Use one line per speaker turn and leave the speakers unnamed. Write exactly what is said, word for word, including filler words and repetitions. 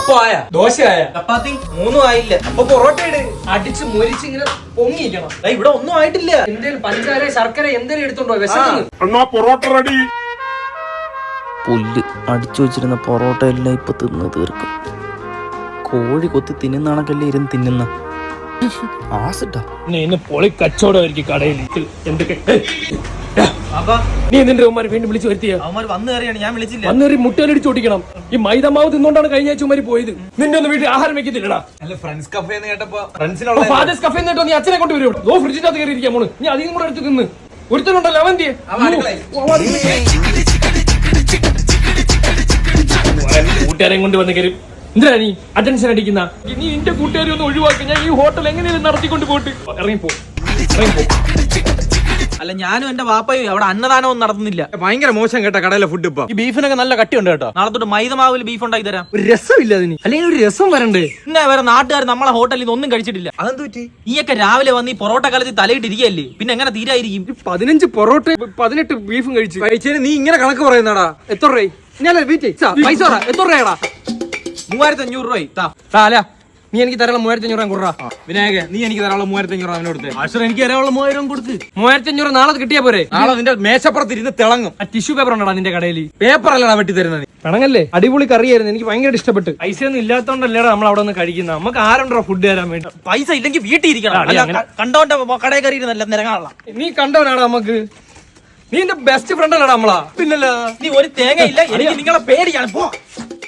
അപ്പം ആയ
ദോശ ആയ
ചപ്പാത്തി മൂന്നും ആയില്ല. അപ്പൊ പൊറോട്ട ഇട്.
അടിച്ച് മുരിച്ച് ഇങ്ങനെ പൊങ്ങിക്കണം.
ഇവിടെ ഒന്നും ആയിട്ടില്ല.
എന്തേലും പഞ്ചാര ശർക്കര എന്തേലും എടുത്തോണ്ടോ വിശക്കുന്നു.
പൊറോട്ട റെഡി.
പുല്ല് അടിച്ചു വെച്ചിരുന്ന പൊറോട്ട എല്ലാം ഇപ്പൊ തിന്ന് തീർക്കും. കോഴി കൊത്തി തിന്നുന്നാണക്കല്ലേ ഇരുന്ന് തിന്നുന്ന ആസിട്ടാ.
പൊളി കച്ചവടമായിരിക്കും കടയിൽ. എന്തൊക്കെ നീ നിന്റെ ഉമ്മാരെ വീണ്ടും വിളിച്ചു വരുത്തിയ
അവന്മാർ വന്നു കയറിയാണ്, ഞാൻ വിളിച്ചില്ല.
വന്നേറി മുട്ടയിലടിച്ച് ഓടിക്കണം. ഈ മൈദമാവ് തിന്നോണ്ടാണ് കഴിഞ്ഞ ആഴ്ച ഉമ്മാരി പോയത്. നിന്റെ ഒന്ന് വീട്ടിൽ ആഹാരം വെക്കത്തില്ലടാ.
അല്ല ഫ്രണ്ട്സ് കഫേ എന്ന് കേട്ടപ്പോ ഫ്രണ്ട്സിനുള്ള
ഫാദേഴ്സ് കഫേ കേട്ടോ. നീ അച്ഛനെ കൊണ്ട് വരും. ഓ ഫ്രിഡ്ജിനകത്ത് കയറി ഇരിക്കാൻ പോണ്. നീ അധികം കൂടെ എടുത്ത് തിന്ന്. ഒരുത്തനുണ്ടല്ലോ അവൻ കൂട്ടുകാരെയും കൊണ്ട് വന്ന് കയറി. എന്തിനാ നീ അറ്റൻഷൻ അടിക്കുന്ന? നീ എന്റെ കൂട്ടുകാരെ ഒന്ന് ഒഴിവാക്കി. ഞാൻ ഈ ഹോട്ടൽ എങ്ങനെയാണ് നടത്തിക്കൊണ്ട് പോയിട്ട് ഇറങ്ങിപ്പോ ഇറങ്ങിപ്പോ
അല്ല ഞാനും എന്റെ വാപ്പയും അവിടെ അന്നദാനവും നടത്തുന്നില്ല. ഭയങ്കര മോശം കേട്ടോ കടയിലെ ഫുഡ്. ഇപ്പൊ ഈ ബീഫിനൊക്കെ നല്ല കട്ടിയുണ്ട് കേട്ടോ. നാളെ തൊട്ട് മൈദമാവിൽ ബീഫ് ഉണ്ടാക്കി തരാം.
ഒരു രസമില്ല അതിന്. അല്ലെങ്കിൽ ഒരു രസം വരണ്ടേ?
പിന്നെ വേറെ നാട്ടുകാർ നമ്മളെ ഹോട്ടലിൽ നിന്ന് ഒന്നും കഴിച്ചിട്ടില്ല. അതെന്ത് പറ്റി? നീയൊക്കെ രാവിലെ വന്ന് ഈ പൊറോട്ട കാലത്ത് തലയിട്ടിരിക്കുകയല്ലേ, പിന്നെ എങ്ങനെ തീരായിരിക്കും?
പതിനഞ്ച് പൊറോട്ട പതിനെട്ട് ബീഫും കഴിച്ചു
കഴിച്ചതിന് നീ ഇങ്ങനെ കണക്ക് പറയുന്നടാ.
എത്ര രൂപ? ഞാൻ പൈസ എത്ര രൂപയാടാ?
മൂവായിരത്തി അഞ്ഞൂറ് രൂപ.
അല്ല നീ എനിക്ക് തരാനുള്ള മൂവായിരത്തി അഞ്ഞൂറ് കൊടുറാ.
വിനായക നീ എനിക്ക് തരാനുള്ള മൂവായിരത്തി അഞ്ഞൂറ് അവനോട് കൊടുത്ത്. എനിക്ക് തരാനുള്ള മൂവായിരം കൊടുത്ത്.
മൂവായിരത്തി അഞ്ഞൂറ് നാളെ കിട്ടിയാ പോരെ?
നാളെ നിന്റെ മേശപ്പുറത്ത് ഇരുന്ന് തിളങ്ങും.
ആ ടിഷ്യൂ പേപ്പർ ഉണ്ടോ നിന്റെ കടയിൽ?
പേപ്പർ അല്ലടാ വെട്ടി തരുന്നത്.
പിണങ്ങല്ലേ? അടിപൊളി കറിയായിരുന്നു. എനിക്ക് ഭയങ്കര ഇഷ്ടപ്പെട്ടു. പൈസ ഒന്നും ഇല്ലാത്തോണ്ടല്ലേടാ നമ്മൾ അവിടെ നിന്ന് കഴിക്കുന്നത്. നമുക്ക് ആരുണ്ടോ ഫുഡ് തരാൻ വേണ്ടി?
പൈസ ഇല്ലെങ്കിൽ വീട്ടിൽ ഇരിക്കണം. കണ്ടോന്റെ കടയിൽ കയറി ഇരുന്നല്ല നിരങ്ങാനുള്ള.
നീ കണ്ടവനാടാ നമുക്ക്. നീ എന്റെ ബെസ്റ്റ് ഫ്രണ്ട് അല്ലടാ നമ്മളാ.
പിന്നല്ല നീ ഒരു തേങ്ങ ഇല്ല. എനിക്ക് നിങ്ങളെ പേടിയാണ്. പോ.